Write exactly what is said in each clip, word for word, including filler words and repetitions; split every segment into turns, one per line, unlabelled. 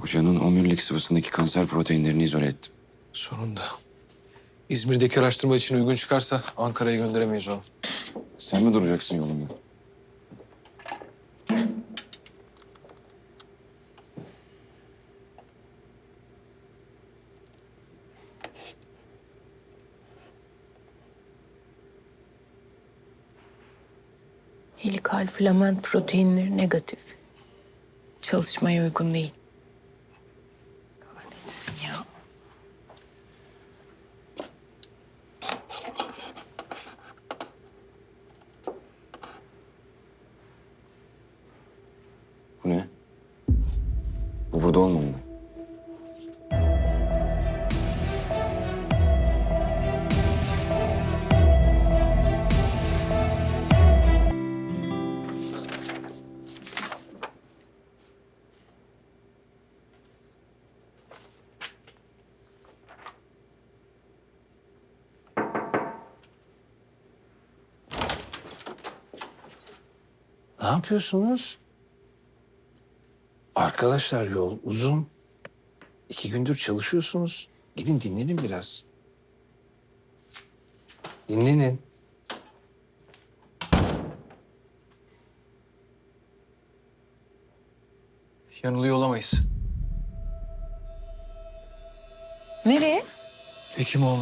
Hocanın omurilik sıvısındaki kanser proteinlerini izole ettim.
Sonunda. İzmir'deki araştırma için uygun çıkarsa Ankara'ya gönderemeyiz onu.
Sen mi duracaksın yolunda?
Helikal filament proteinleri negatif. Çalışmaya uygun değil. Kahretsin ya.
Bu ne? Bu burada olmamalı.
Ne yapıyorsunuz? Arkadaşlar yol uzun. İki gündür çalışıyorsunuz. Gidin dinlenin biraz. Dinlenin.
Yanılıyor olamayız.
Nereye?
Hekimoğlu.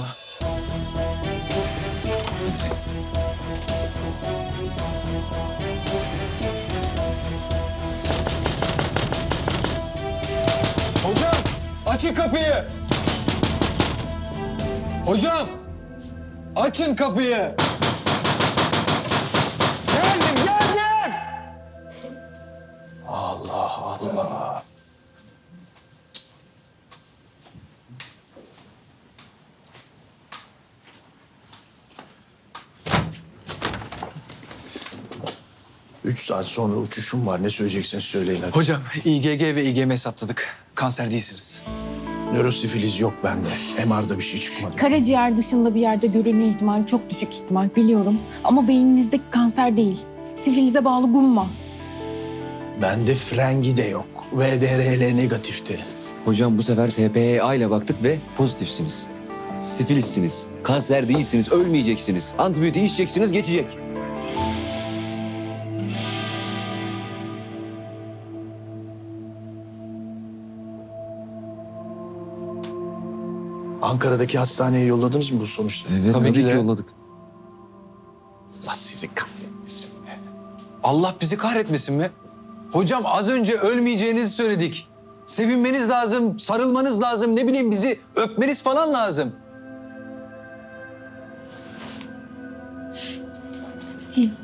Hocam! Açın kapıyı! Hocam! Açın kapıyı! Geldim, geldim!
Allah Allah. Üç saat sonra uçuşum var. Ne söyleyeceksiniz söyleyin hadi.
Hocam, İ G G ve İ G M hesapladık. Kanser değilsiniz.
Nörosifiliz yok bende. M R'da bir şey çıkmadı.
Karaciğer dışında bir yerde görülme ihtimali çok düşük ihtimal biliyorum. Ama beyninizdeki kanser değil. Sifilize bağlı gumma.
Bende frengi de yok. V D R L negatifti.
Hocam bu sefer T P E A ile baktık ve pozitifsiniz. Sifilissiniz, kanser değilsiniz, ölmeyeceksiniz. Antibiyotik içeceksiniz, geçecek.
Ankara'daki hastaneye yolladınız mı bu sonuçları?
Evet,
Tabii
tabii,
ki
ki
de.
yolladık.
Allah sizi kahretmesin be.
Allah bizi kahretmesin mi? Hocam az önce ölmeyeceğinizi söyledik. Sevinmeniz lazım, sarılmanız lazım, ne bileyim bizi öpmeniz falan lazım.
Siz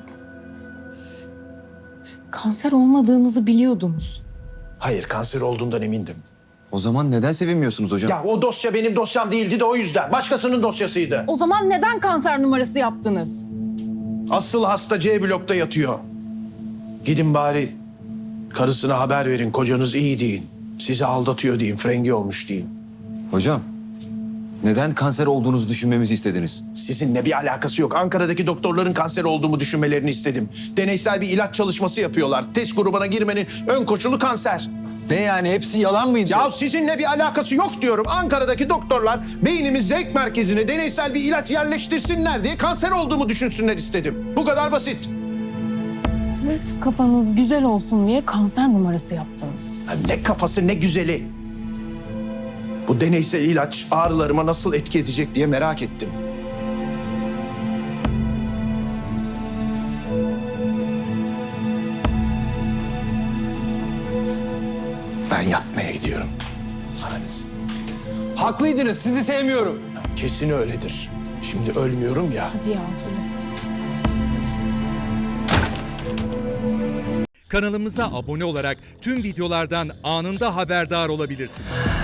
kanser olmadığınızı biliyordunuz.
Hayır, kanser olduğundan emindim.
O zaman neden sevinmiyorsunuz hocam?
Ya o dosya benim dosyam değildi de o yüzden. Başkasının dosyasıydı.
O zaman neden kanser numarası yaptınız?
Asıl hasta C blokta yatıyor. Gidin bari karısına haber verin. Kocanız iyi deyin. Sizi aldatıyor deyin. Frengi olmuş deyin.
Hocam, neden kanser olduğunuzu düşünmemizi istediniz?
Sizinle bir alakası yok. Ankara'daki doktorların kanser olduğumu düşünmelerini istedim. Deneysel bir ilaç çalışması yapıyorlar. Test grubuna girmenin ön koşulu kanser.
Ne yani hepsi yalan mıydı?
Ya sizinle bir alakası yok diyorum. Ankara'daki doktorlar beynimiz zevk merkezine deneysel bir ilaç yerleştirsinler diye kanser olduğumu düşünsünler istedim. Bu kadar basit.
Sırf kafanız güzel olsun diye kanser numarası yaptınız.
Ya ne kafası ne güzeli. Bu deneysel ilaç ağrılarıma nasıl etki edecek diye merak ettim. Ben yatmaya gidiyorum. Analiz.
Haklıydınız, sizi sevmiyorum.
Kesin öyledir. Şimdi ölmüyorum ya.
Hadi ya gelin.
Kanalımıza abone olarak tüm videolardan anında haberdar olabilirsiniz.